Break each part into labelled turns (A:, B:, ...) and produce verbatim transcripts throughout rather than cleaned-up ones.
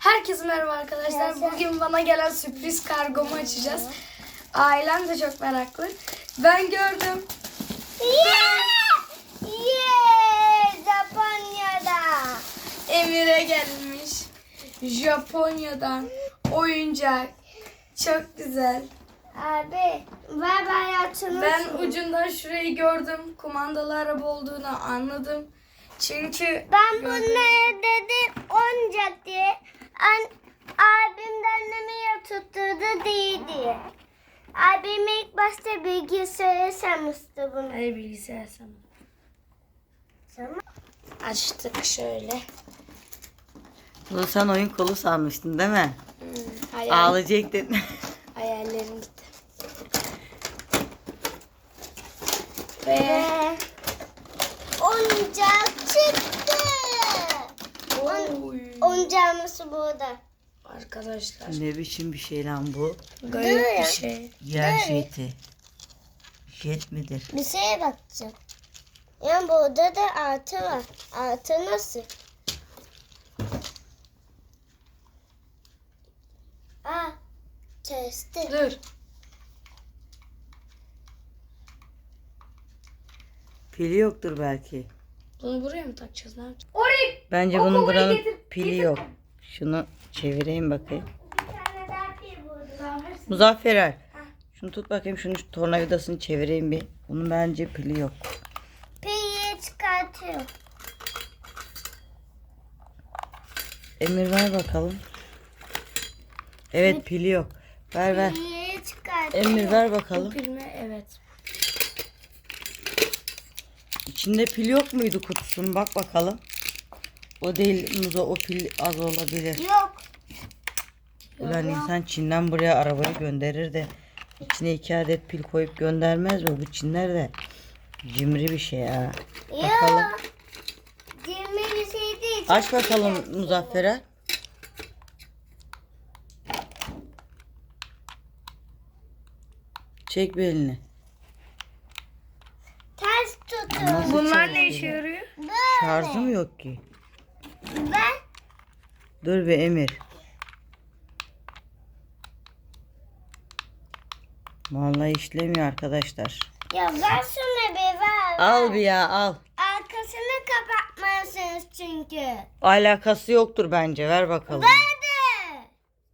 A: Herkese merhaba arkadaşlar. Bugün bana gelen sürpriz kargomu açacağız. Ailem de çok meraklı. Ben gördüm.
B: Yeah! Yeah! Japonya'da.
A: Emir'e gelmiş. Japonya'dan oyuncak. Çok güzel.
B: Abi, ver ben yatırmışım.
A: Ben ucundan şurayı gördüm. Kumandalı araba olduğunu anladım. Çünkü
B: Ben
A: gördüm.
B: bunları dedim oyuncak diye. An abim de annemi tutturdu değil diye. Abim ilk başta bilgisayara sanmıştı bunu.
A: Hayır, bilgisayar sana.
B: Tamam.
A: Açtık şöyle.
C: Bunu sen oyun kolu sanmıştın değil mi?
A: Hmm, hayal,
C: Ağlayacaktın.
A: hayallerim gitti. Ve
B: Ve oyuncak çıktı.
A: Oy.
B: Oyuncağımız burada.
A: Arkadaşlar
C: Ne biçim bir şey lan bu?
A: garip bir şey.
C: Yer jeti. Jet midir?
B: Bir şeye bakacağım. Yani burada da artı var. Artı nasıl? Aa, testi.
A: Dur.
C: Pili yoktur belki.
A: Bunu buraya mı takacağız? Ne yapacağız? Oraya.
C: Bence
A: O
C: bunun
A: kovayı
C: buranın
A: getir,
C: pili
A: getir.
C: yok. Şunu çevireyim bakayım.
B: Bir tane daha bir burada.
C: Muzaffer Er. Şunu tut bakayım, şunu şu tornavidasını çevireyim bir. Bunun bence pili yok.
B: Piyi çıkartıyor.
C: Emir ver bakalım. Evet, pili yok. Ver ver.
B: Piyi çıkartıyor.
C: Emir ver
A: Bu
C: bakalım.
A: pil mi? Evet.
C: İçinde pil yok muydu kutusunun? Bak bakalım. O değil Muzo, o pil az olabilir.
B: Yok.
C: Ulan insan Çin'den buraya arabayı gönderir de içine iki adet pil koyup göndermez mi? Bu Çinler de cimri bir şey ha. Bakalım.
B: Yok. Cimri bir şey değil.
C: Aç bakalım Muzaffer'e. Çek bir elini.
B: Ters tutun.
C: Nasıl
A: Bunlar
C: çalışıyor?
A: ne işe yarıyor?
B: Böyle.
C: Şarjı mı yok ki?
B: Ben
C: Dur bir Emir. Vallahi işlemiyor arkadaşlar.
B: ya ver şunu bir ver.
C: Al bir ya, al.
B: Arkasını kapatmalısınız çünkü.
C: Alakası yoktur bence. Ver bakalım.
B: Hadi.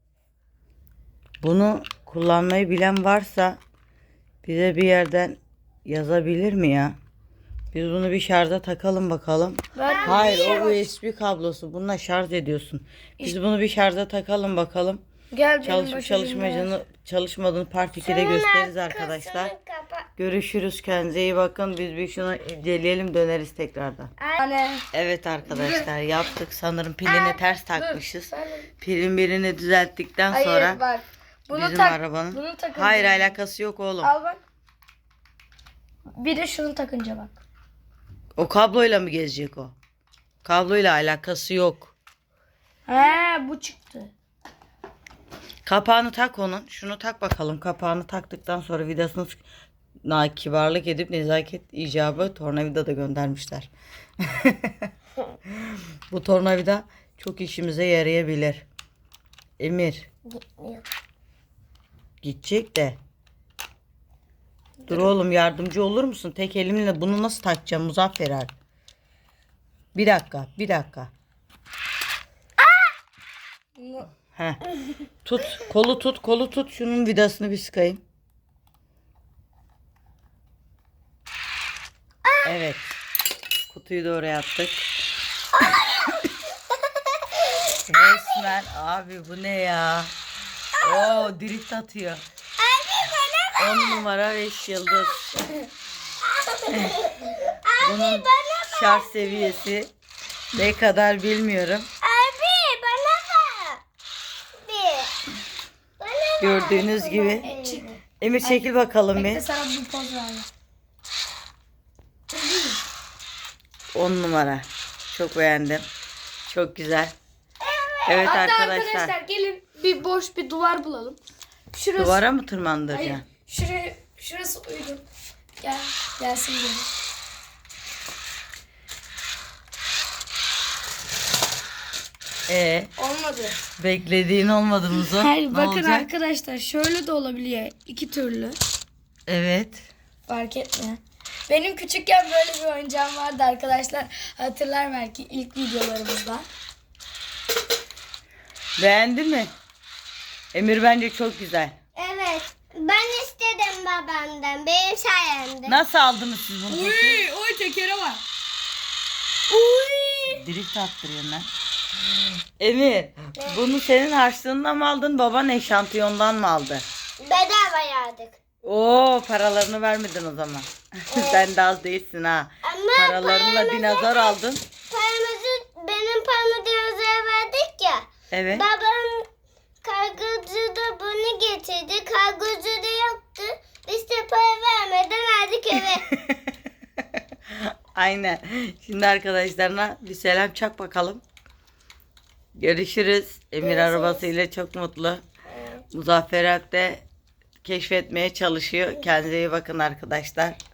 C: Bunu kullanmayı bilen varsa bize bir yerden yazabilir mi ya? Biz bunu bir şarja takalım bakalım.
A: Ver.
C: Hayır, o U S B kablosu. Bununla şarj ediyorsun. Biz bunu bir şarja takalım bakalım.
A: Gel benim
C: Çalışıp
A: başucuma ver.
C: çalışmadığını, çalışmadığını part ikide
B: Şunun
C: gösteririz
B: arkasını
C: arkadaşlar.
B: kapat.
C: Görüşürüz. Kendinize iyi bakın. Biz bir şunu inceleyelim, döneriz tekrardan.
A: Anne.
C: Evet arkadaşlar, yaptık. Sanırım pilini ters takmışız.
A: Ver.
C: Pilin birini düzelttikten
A: Hayır
C: sonra
A: bak. Bunu
C: bizim
A: tak.
C: arabanın.
A: Bunu takınca.
C: Hayır, alakası yok oğlum.
A: Al bak. Bir de şunu takınca bak.
C: O kabloyla mı gezecek o? Kabloyla alakası yok.
A: He, bu çıktı.
C: Kapağını tak onun. Şunu tak bakalım. Kapağını taktıktan sonra vidasını sık- na kibarlık edip nezaket icabı tornavida da göndermişler. Bu tornavida çok işimize yarayabilir. Emir
B: Gitmiyor.
C: gidecek de. Dur oğlum, yardımcı olur musun? Tek elimle bunu nasıl takacağım Muzaffer Er? Bir dakika, bir dakika. Heh. Tut, kolu tut, kolu tut. Şunun vidasını bir sıkayım. Evet. Kutuyu da oraya attık. Resmen abi, bu ne ya? Oo, drift atıyor. On numara beş yıldız. Bunun şarj seviyesi ne kadar bilmiyorum.
B: Abi bana ver. Bir. Bana ver.
C: Gördüğünüz gibi. Emir çekil bakalım
A: Bekle,
C: bir.
A: sana bir poz ver.
C: On numara. Çok beğendim. Çok güzel. Evet
A: Hatta
C: arkadaşlar.
A: arkadaşlar gelin bir boş bir duvar bulalım. Şurası.
C: Duvara mı
A: Hayır.
C: tırmandıracaksın?
A: Şuraya, şurası uygun. Gel. Gelsin gelin.
C: Ee,
A: Olmadı.
C: beklediğin olmadı Muzo.
A: Hayır
C: Ne
A: bakın
C: olacak?
A: arkadaşlar şöyle de olabiliyor. İki türlü.
C: Evet.
A: Fark etmiyor. Benim küçükken böyle bir oyuncağım vardı arkadaşlar. Hatırlar belki ilk videolarımızda.
C: Beğendin mi? Emir bence çok güzel.
B: Evet. Ben istedim babamdan. Benim sayemde.
C: Nasıl aldınız siz bunu peki?
A: oy tekere var. Uy.
C: Drift attırıyorsun lan. Emir, bunu senin harçlığından mı aldın, baban eşantiyondan mı aldı?
B: Bedava yardık.
C: Oo, paralarını vermedin o zaman. Sen de az değilsin ha.
B: Ama
C: Paralarınla
B: paramızı-
C: dinozor aldın.
B: Paramızı benim paramı dinozora verdik ya.
C: Evet.
B: Babam kargocu da bunu getirdi. Kargocu da yoktu. Biz de para vermeden aldık eve.
C: Aynen. Şimdi arkadaşlarına bir selam çak bakalım. Görüşürüz. Emir arabasıyla çok mutlu. Muzaffer Alp de keşfetmeye çalışıyor. Kendinize iyi bakın arkadaşlar.